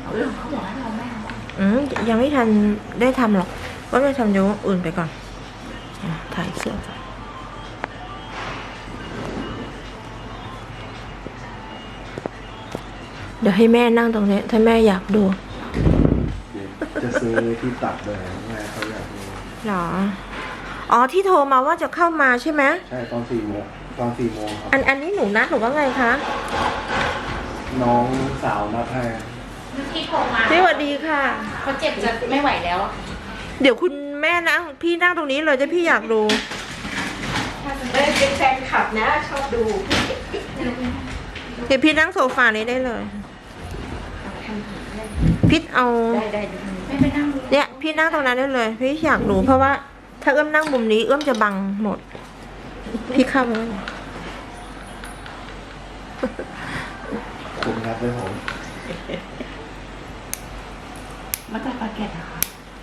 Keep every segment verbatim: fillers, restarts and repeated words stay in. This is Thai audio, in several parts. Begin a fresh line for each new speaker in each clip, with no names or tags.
เรื่องเขาบอกให้เราแม่ว่า
อืมยังไม่ทันได้ทำหรอกก็ไม่ทำเดี๋ยวอื่นไปก่อนถ่ายเสื้อก่อนเดี๋ยวให้แม่นั่งตรงนี้ถ้าแม่อยากดู
จะซื้อที่ตัดเลยแม่เขาอยากดู
หรออ๋อที่โทรมาว่าจะเข้ามาใช่ไหม
ใช่ตอนสี่โมงตอนสี่โมงครับ
อันอันนี้หนูนัดหรือว่าไงคะ
น้องสาวนัดให้
ที่โทรมา
สวัสดีค่ะ
เขาเจ็บจะไม่ไหวแล้ว
เดี๋ยวคุณแม่นั่งพี่นั่งตรงนี้เลยจะพี่อยากดู
เป็นแฟนคลับนะชอบดู
เดี๋ยวพี่นั่งโซฟานี้ได้เลยพี่เอา
ได้ได้ไม่ไปนั่ง
เนี่ยพี่นั่งตรงนั้นได้เลยพี่อยากดูเพราะว่าถ้าเอื้อมนั่งมุมนี้เอื้อมจะบังหมดพี่เข้าไปแล้ว
คุณครับด้วยผม
มาจากปาเกตเหรอคะ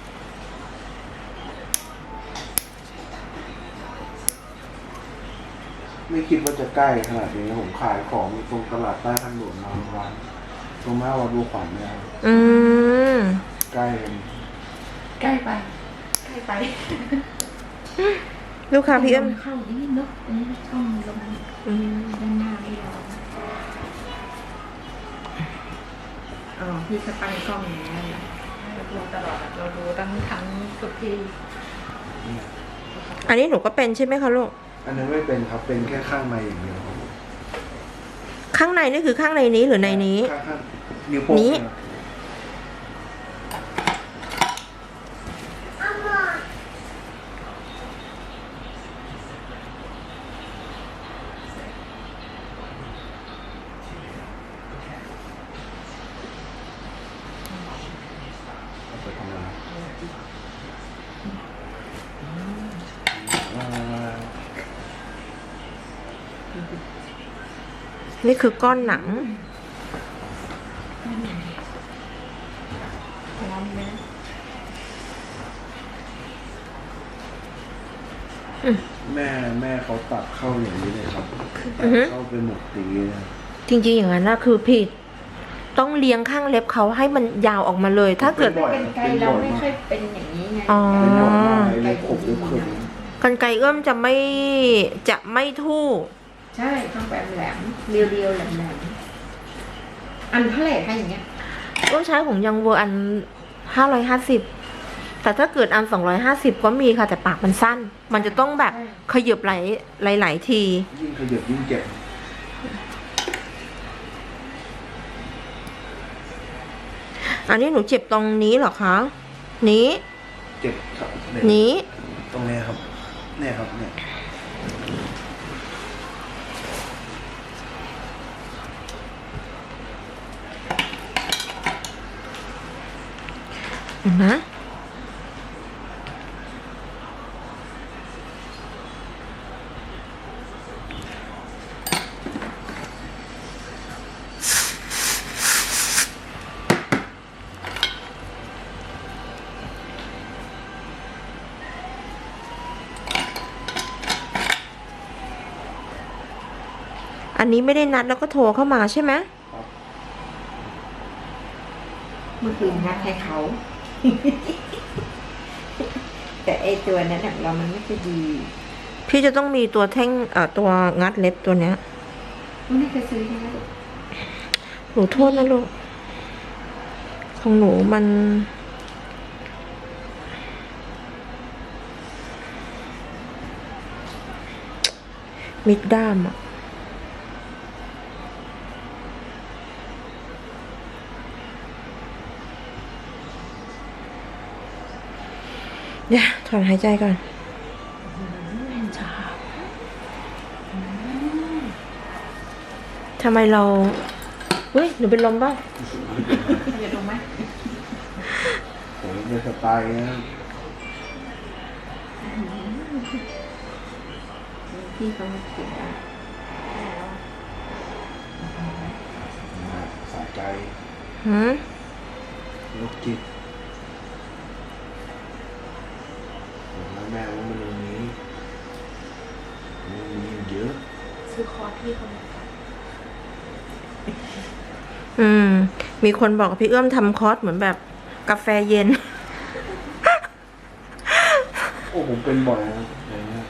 ไม่คิดว่าจะใกล้ขนาดนี้ผมขายของตรงตลาดใต้ทางด่วนนอนร้านตรงหน้าวัดบัวขวัญเนี่ย
อืม
ใกล้
ใกล้ไปใกล้ไป
ลูกค้าพี่เอื้อม
เข้านี่เนาะนี่ช่องลงด้านหน้าไม่รออ๋อพี่สปันกล้องอย่างนี้เราดูตลอดเราดูตั้งทั้งทุกที่
อันนี้หนูก็เป็นใช่ไหมคะลูก
อันนั้นไม่เป็นครับเป็นแค่ข้างในอย่างเดียวครับ
ข้างในนี่คือข้างในนี้หรือในนี้
ข้างๆนิ้วโป้งนี้
นี่คือก้อนหนัง
แม่แม่เขาตัดเข้าอย่างนี้เลยครับตัดเข้าเป็นหมวกตี
จริงๆอย่างนั้นนะคือผิดต้องเลี้ยงข้างเล็บเขาให้มันยาวออกมาเลยถ้าเกิด
เป็นไกลเราไม่ค่อยเป็นอย่างนี้ไง
อ๋อ
กั
นไกเอื้อมจะไม่จะไม่ทู่
ใช่ต้องแบบแหลมเรียวๆแหลมๆอันเท่าไหร่คะอย่างเงี้ย
เอื้อมใช้ของยังเวอร์อันห้าร้อยห้าสิบแต่ถ้าเกิดอันสองร้อยห้าสิบก็มีค่ะแต่ปากมันสั้นมันจะต้องแบบขยับไหลหลายๆที
ยิ่งขยับยิ่งเจ็บ
อันนี้หนูเจ็บตรงนี้เหรอคะนี้
เจ็บครับ
นี้
ตรงนี้ครับเนี่ยครับเนี่ย
เห็นไหมอันนี้ไม่ได้นัดแล้วก็โทรเข้ามาใช่ไหม
เมื่อคืนนัดให้เขาแต่ไอตัวนั้นเรามันไม่ค่อยดี
พี่จะต้องมีตัวแท่งเอ่อตัวงัดเล็บตัวเนี้ย
ไม่เคยซื้อใช่ไหม
หนูโทษนะลูกของหนูมันมิดด้ามอ่ะเดี๋ยวถอนหายใจก่อนทำไมเราเฮ้ยหนูเป็นลมบ้าง
อย่าลงไหม
ผมเป็นสไตล์นะ
พี่เขาไม่เก่ง
สะใจ
หืม
ลูกจิตแม่ว่ามันตรงนี้มันมีเยอะ
ซื้อคอร์สพี่เขา
อืมมีคนบอกพี่เอื้อมทำคอร์สเหมือนแบบกาแฟเย็น
โอ้ผมเป็นบ่อยนะอย่างเงี้ย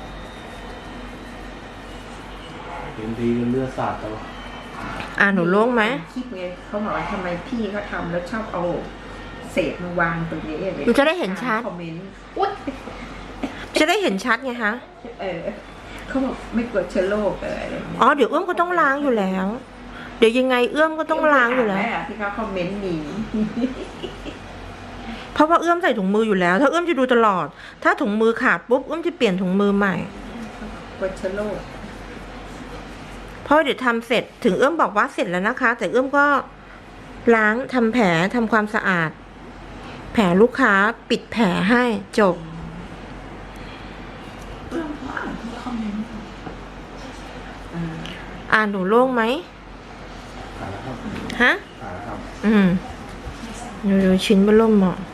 เห็นทีก็เลือดสาดตลอด
อ่าหนูโล่งไหม
คิดไงเขาบอกว่าทำไมพี่เขาทำแล้วชอบเอาเศษมาวางตรงนี้อะไร
หนูจะได้เห็นชัด
คอมเมนต์อุ๊ย
จะได้เห็นชัดไงคะ
เออเขาบอกไม่กลัวเชื้อโรคอะไรอย่างเงี้ย
อ๋อเดี๋ยวเอื้อมก็ต้องล้างอยู่แล้ว เดี๋ยวยังไงเอื้อมก็ต้องล้างอยู่แล้ว
ม่ที่เขาคอมเมนต์มี
เพราะว่าเอื้อมใส่ถุงมืออยู่แล้ว ถ้าเอื้อมจะดูตลอด ถ้าถุงมือขาดปุ๊บเอื้อมจะเปลี่ยนถุงมือใหม่
กลัวเชื้อโรค
เพราะเดี๋ยวทำเสร็จถึงเอื้อมบอกว่าเสร็จแล้วนะคะ แต่เอื้อมก็ล้างทำแผลทำความสะอาด แผลลูกค้าปิดแผลให้จบ
อ่า
อ่านหนูโล่งไหม
หายแล้วครับ
ฮะ
หายแล้วครับ
อืมดูดูชิ้นเบอร์เริ่มเหมาะ